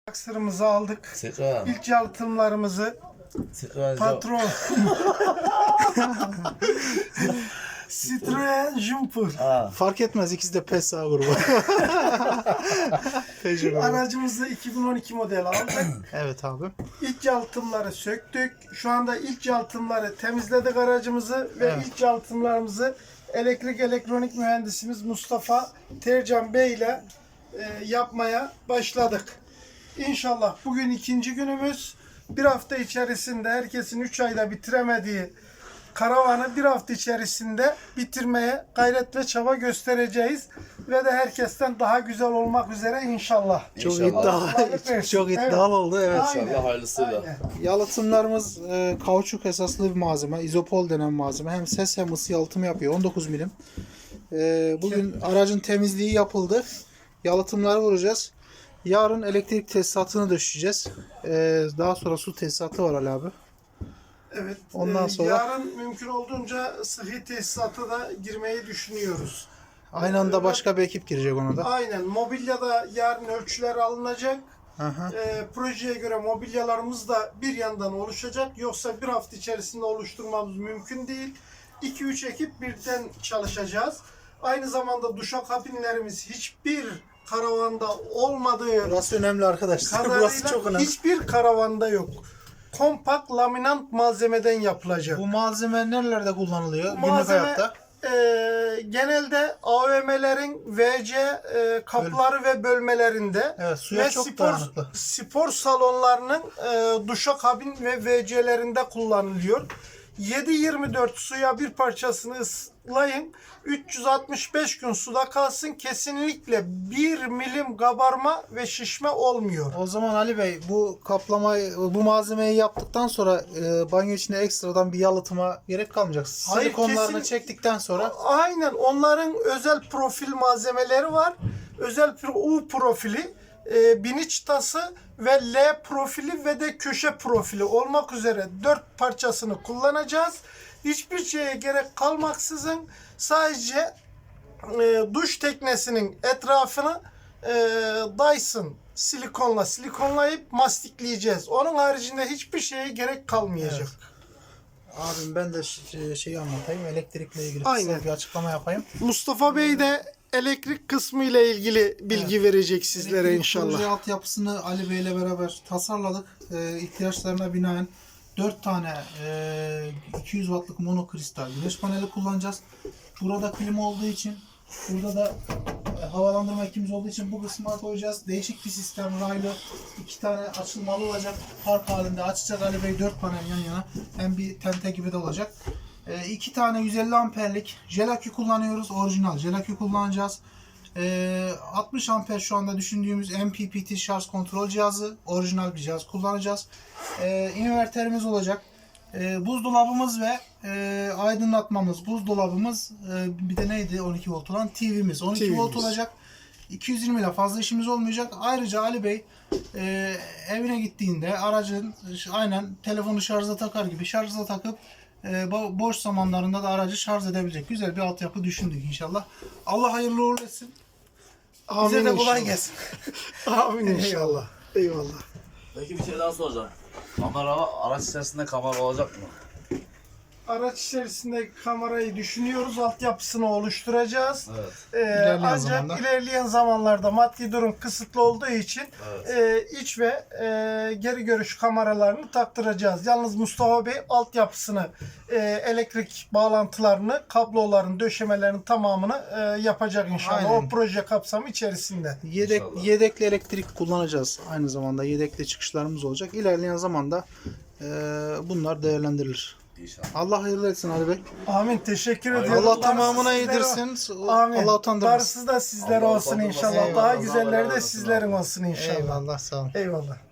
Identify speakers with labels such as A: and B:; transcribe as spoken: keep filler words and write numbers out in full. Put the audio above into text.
A: Aksırımızı aldık.
B: Sıkı.
A: İlk yalıtımlarımızı
B: Sıkı.
A: patron Citroen Jumper
B: Aa.
C: Fark etmez, ikisi de P S A grubu. Peugeot grubu.
A: aracımızı iki bin on iki model aldık.
C: Evet abi.
A: İlk yalıtımları söktük. Şu anda ilk yalıtımları temizledik aracımızı ve
C: Evet.
A: ilk yalıtımlarımızı elektrik elektronik mühendisimiz Mustafa Tercan Bey ile e, yapmaya başladık. İnşallah bugün ikinci günümüz. Bir hafta içerisinde herkesin üç ayda bitiremediği karavanı bir hafta içerisinde bitirmeye gayret ve çaba göstereceğiz. Ve de herkesten daha güzel olmak üzere inşallah.
C: Çok
B: İnşallah.
C: iddialı,
A: Kolaylık versin.
C: çok iddialı
A: Evet.
C: oldu. Evet.
A: Aynen.
B: İnşallah hayırlısıyla.
A: Aynen.
C: Yalıtımlarımız e, kauçuk esaslı bir malzeme. İzopol denen malzeme. Hem ses hem ısı yalıtımı yapıyor. on dokuz milim. E, bugün aracın temizliği yapıldı. Yalıtımları vuracağız. Yarın elektrik tesisatını döşeceğiz. E, daha sonra su tesisatı var Ali abi.
A: Evet.
C: Ondan
A: e,
C: sonra-
A: yarın mümkün olduğunca sıhhi tesisata da girmeyi düşünüyoruz.
C: Aynı anda başka bir ekip girecek ona da.
A: Aynen. Mobilyada yarın ölçüler alınacak.
C: Aha.
A: E, projeye göre mobilyalarımız da bir yandan oluşacak. Yoksa bir hafta içerisinde oluşturmamız mümkün değil. iki üç ekip birden çalışacağız. Aynı zamanda duşakabinlerimiz hiçbir karavanda olmadığı
C: Burası önemli arkadaşlar. Burası
A: kadarıyla
C: çok önemli.
A: hiçbir karavanda yok. Kompakt laminant malzemeden yapılacak.
C: Bu malzeme nerelerde kullanılıyor? Günlük
A: Malzeme
C: hayatta.
A: e, genelde A V M'lerin V C e, kapları ve bölmelerinde
C: Evet, suya
A: ve
C: çok
A: spor,
C: dayanıklı.
A: spor salonlarının e, duşakabin ve V C'lerinde kullanılıyor. yedi yirmi dört suya bir parçasını ıslayın. üç yüz altmış beş gün suda kalsın. Kesinlikle bir milim kabarma ve şişme olmuyor.
C: O zaman Ali Bey, bu kaplamayı, bu malzemeyi yaptıktan sonra e, banyo içine ekstradan bir yalıtıma gerek kalmayacak.
A: Hayır,
C: Silikonlarını
A: kesin-
C: çektikten sonra
A: Aynen, onların özel profil malzemeleri var. Özel pro- U profili, e, biniç tası ve L profili ve de köşe profili olmak üzere dört parçasını kullanacağız. Hiçbir şeye gerek kalmaksızın sadece e, duş teknesinin etrafını e, Dyson silikonla silikonlayıp mastikleyeceğiz. Onun haricinde hiçbir şeye gerek kalmayacak.
C: abim ben de ş- şeyi anlatayım. Elektrikle ilgili
A: Aynen.
C: kısa bir açıklama yapayım.
A: Mustafa Bey de elektrik kısmı ile ilgili bilgi verecek sizlere
C: Elektrik
A: inşallah.
C: proje altyapısını Ali Bey ile beraber tasarladık. E, ihtiyaçlarına binaen dört tane e, iki yüz wattlık monokristal güneş paneli kullanacağız. Burada klima olduğu için, burada da e, havalandırma ekimiz olduğu için bu kısma koyacağız. Değişik bir sistem, raylı iki tane açılmalı olacak. Park halinde açacak Ali Bey, dört panel yan yana. Hem bir tente gibi de olacak. E, iki tane yüz elli amperlik jel akü kullanıyoruz. Orijinal jel akü kullanacağız. E, altmış amper şu anda düşündüğümüz M P P T şarj kontrol cihazı. Orijinal bir cihaz kullanacağız. E, inverterimiz olacak. E, buzdolabımız ve e, aydınlatmamız, buzdolabımız, e, bir de neydi on iki volt olan T V'miz. on iki volt
A: T V'miz.
C: olacak. iki yüz yirmi ile fazla işimiz olmayacak. Ayrıca Ali Bey e, evine gittiğinde aracın aynen telefonu şarja takar gibi şarja takıp e, bo- boş zamanlarında da aracı şarj edebilecek güzel bir altyapı düşündük inşallah. Allah hayırlı uğurlu etsin. Bize de kolay
A: inşallah.
C: gelsin.
A: Amin inşallah. Eyvallah.
B: Peki bir şey daha soracağım. Kamera, araç içerisinde kamera olacak mı?
A: Araç içerisinde kamerayı düşünüyoruz. Altyapısını oluşturacağız.
B: Evet.
A: Ee,
C: İlerleyen
A: ancak
C: zamanda.
A: ilerleyen zamanlarda maddi durum kısıtlı olduğu için
B: Evet.
A: e, iç ve e, geri görüş kameralarını taktıracağız. Yalnız Mustafa Bey altyapısını, e, elektrik bağlantılarını, kabloların, döşemelerin tamamını e, yapacak inşallah.
C: Aynen.
A: O proje kapsamı içerisinde.
C: Yedek,
B: İnşallah.
C: yedekli elektrik kullanacağız. Aynı zamanda yedekli çıkışlarımız olacak. İlerleyen zamanda e, bunlar değerlendirilir.
B: İnşallah.
C: Allah hayırlı etsin Ali Bey.
A: Amin. Teşekkür
B: Aynen.
A: ediyorum.
C: Allah
A: Darısı
C: tamamına
A: sizlere-
C: yedirsin.
A: Amin.
C: Allah utandırmasın.
A: Darısı da sizlere
B: Allah
A: olsun
B: utandırmasın.
A: inşallah.
C: Eyvallah.
A: Daha
B: Allah
A: güzelleri
B: razı
A: de
B: olsun
A: sizlerin
B: abi.
A: olsun inşallah.
C: Eyvallah, sağ olun.
A: Eyvallah.